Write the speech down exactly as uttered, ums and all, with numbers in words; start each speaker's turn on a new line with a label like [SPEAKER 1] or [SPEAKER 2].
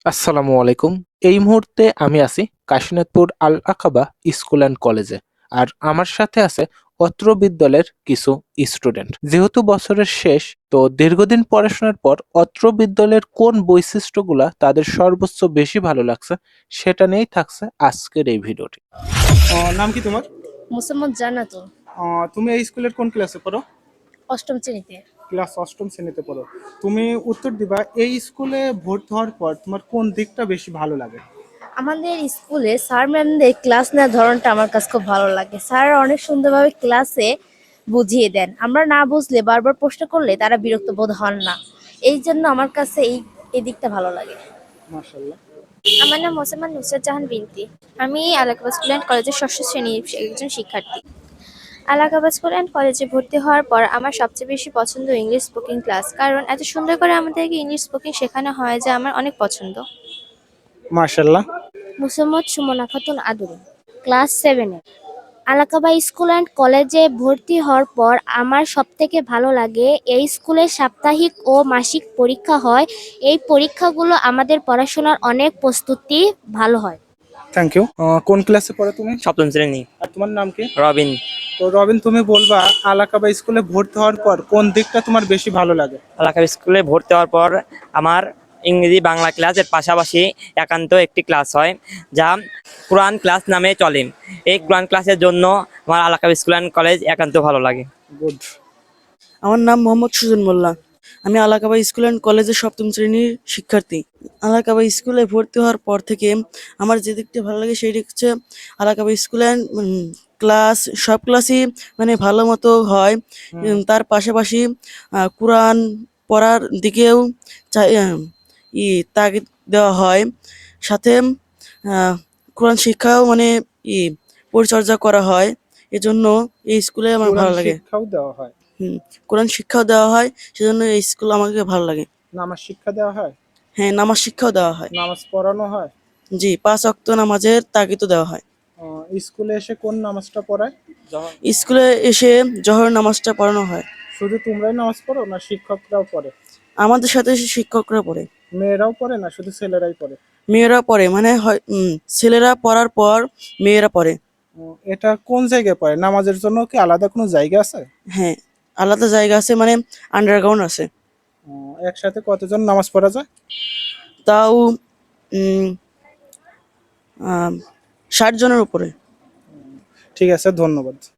[SPEAKER 1] আসসালামু আলাইকুম। এই মুহূর্তে আমি আছি Kashinathpur Al Aqaba school and কলেজে। আর আমার সাথে আছে অত্র বিদ্যালয়ের কিছু স্টুডেন্ট। যেহেতু বছরের শেষ, তো দীর্ঘদিন পড়াশোনার পর অত্র বিদ্যালয়ের কোন বৈশিষ্ট্যগুলা তাদের সর্বোচ্চ বেশি ভালো লাগছে সেটা নিয়েই থাকছে আজকের এই ভিডিওটি।
[SPEAKER 2] আহ, নাম কি তোমার?
[SPEAKER 3] মোসাম্মদ জান্নাতুল।
[SPEAKER 2] আহ, তুমি এই স্কুলের কোন ক্লাসে পড়ো?
[SPEAKER 3] অষ্টম শ্রেণীতে।
[SPEAKER 2] ক্লাস অষ্টম শ্রেণীতে পড়ো। তুমি উত্তর দিবা, এই স্কুলে ভর্তি হওয়ার পর তোমার কোন দিকটা বেশি ভালো লাগে?
[SPEAKER 3] আমাদের স্কুলে স্যার ম্যামদের ক্লাস নেওয়ার ধরনটা আমার কাছে খুব ভালো লাগে। স্যার অনেক সুন্দরভাবে ক্লাসে বুঝিয়ে দেন, আমরা না বুঝলে বারবার প্রশ্ন করলে তারা বিরক্ত বোধ হন না। এই জন্য আমার কাছে এই এই দিকটা ভালো লাগে।
[SPEAKER 2] মাশাআল্লাহ।
[SPEAKER 4] আমার নাম মোসাম্মদ নুসরাত জাহান বিনতি। আমি আলাকাবা স্কুল অ্যান্ড কলেজের ষষ্ঠ শ্রেণীর একজন শিক্ষার্থী। আলাকাবা স্কুল অ্যান্ড কলেজে ভর্তি হওয়ার পর আমার সবচেয়ে বেশি পছন্দ ইংলিশ স্পোকিং ক্লাস, কারণ এত সুন্দর করে আমাদেরকে ইংলিশ স্পোকিং শেখানো হয় যা আমার অনেক পছন্দ।
[SPEAKER 2] মাশাআল্লাহ।
[SPEAKER 4] মোসাম্মদ সুমনা খাতুন আদুরি, ক্লাস সেভেনে। আলাকাবা স্কুল অ্যান্ড কলেজে ভর্তি হওয়ার পর আমার সবথেকে ভালো লাগে এই স্কুলে সাপ্তাহিক ও মাসিক পরীক্ষা হয়। এই পরীক্ষাগুলো আমাদের পড়াশোনার অনেক প্রস্তুতি ভালো হয়।
[SPEAKER 2] Thank you. কোন ক্লাসে পড়ো তুমি?
[SPEAKER 5] সপ্তম শ্রেণী।
[SPEAKER 2] আর তোমার নাম কি?
[SPEAKER 5] রবিন।
[SPEAKER 2] তো রবিন, তুমি বলবা আলাকাবা স্কুলে ভর্তি হওয়ার পর কোন দিকটা তোমার বেশি ভালো লাগে?
[SPEAKER 5] এলাকার স্কুলে ভর্তি হওয়ার পর আমার ইংরেজি বাংলা ক্লাসের পাশাপাশি একান্ত একটি ক্লাস হয় যা কোরআন ক্লাস নামে চলে। এই কোরআন ক্লাসের জন্য আমার আলাকাবা স্কুল অ্যান্ড কলেজ একান্ত ভালো লাগে।
[SPEAKER 2] গুড।
[SPEAKER 6] আমার নাম মোহাম্মদ সুজন মোল্লা। আমি আলাকাবা স্কুল অ্যান্ড কলেজের সপ্তম শ্রেণীর শিক্ষার্থী। আলাকাবা স্কুলে ভর্তি হওয়ার পর থেকে আমার যে দিকটা ভালো লাগে সেটি হচ্ছে আলাকাবা স্কুল অ্যান্ড ক্লাস সব ক্লাসই মানে ভালো মতো হয়। উম, তার পাশাপাশি আহ, কোরআন পড়ার দিকেও চাই- আহ, ই তাগিদ দেওয়া হয়। সাথে আহ, কোরআন শিক্ষাও মানে ই পরিচর্যা করা হয়। এজন্য এই স্কুলে আমার
[SPEAKER 2] কোরআন
[SPEAKER 6] ভালো লাগে।
[SPEAKER 2] শিক্ষাও দেওয়া হয়?
[SPEAKER 6] হুম, কোরআন শিক্ষাও দেওয়া হয়, সেজন্য এই স্কুল আমাকে ভালো লাগে।
[SPEAKER 2] নামাজ শিক্ষা দেওয়া হয়?
[SPEAKER 6] হ্যাঁ, নামাজ শিক্ষাও দেওয়া হয়।
[SPEAKER 2] নামাজ পড়ানো হয়?
[SPEAKER 6] জি, পাঁচ ওয়াক্ত নামাজের তাগিদও দেওয়া হয়।
[SPEAKER 2] আহ, স্কুলে এসে কোন নামাজটা পড়ায়?
[SPEAKER 6] স্কুলে এসে জোহর নামাজটা পড়ানো হয়।
[SPEAKER 2] শুধু তোমরাই নামাজ পড়ো না শিক্ষকরাও পড়ে?
[SPEAKER 6] আমাদের সাথে শিক্ষকরা পড়ে।
[SPEAKER 2] মেয়েরাও পড়ে না শুধু ছেলেরাই পড়ে?
[SPEAKER 6] মেয়েরা পড়ে, মানে হয় উম, ছেলেরা পড়ার পর মেয়েরা পড়ে।
[SPEAKER 2] উম, এটা কোন জায়গায় পড়ে? নামাজের জন্য কি আলাদা কোনো জায়গা আছে?
[SPEAKER 6] হ্যাঁ, আলাদা জায়গা আছে, মানে আন্ডারগ্রাউন্ড আছে।
[SPEAKER 2] উম, একসাথে কতজন নামাজ পড়া যায়?
[SPEAKER 6] তাও উম আহ, ষাট জনের উপরে।
[SPEAKER 2] ঠিক আছে, ধন্যবাদ।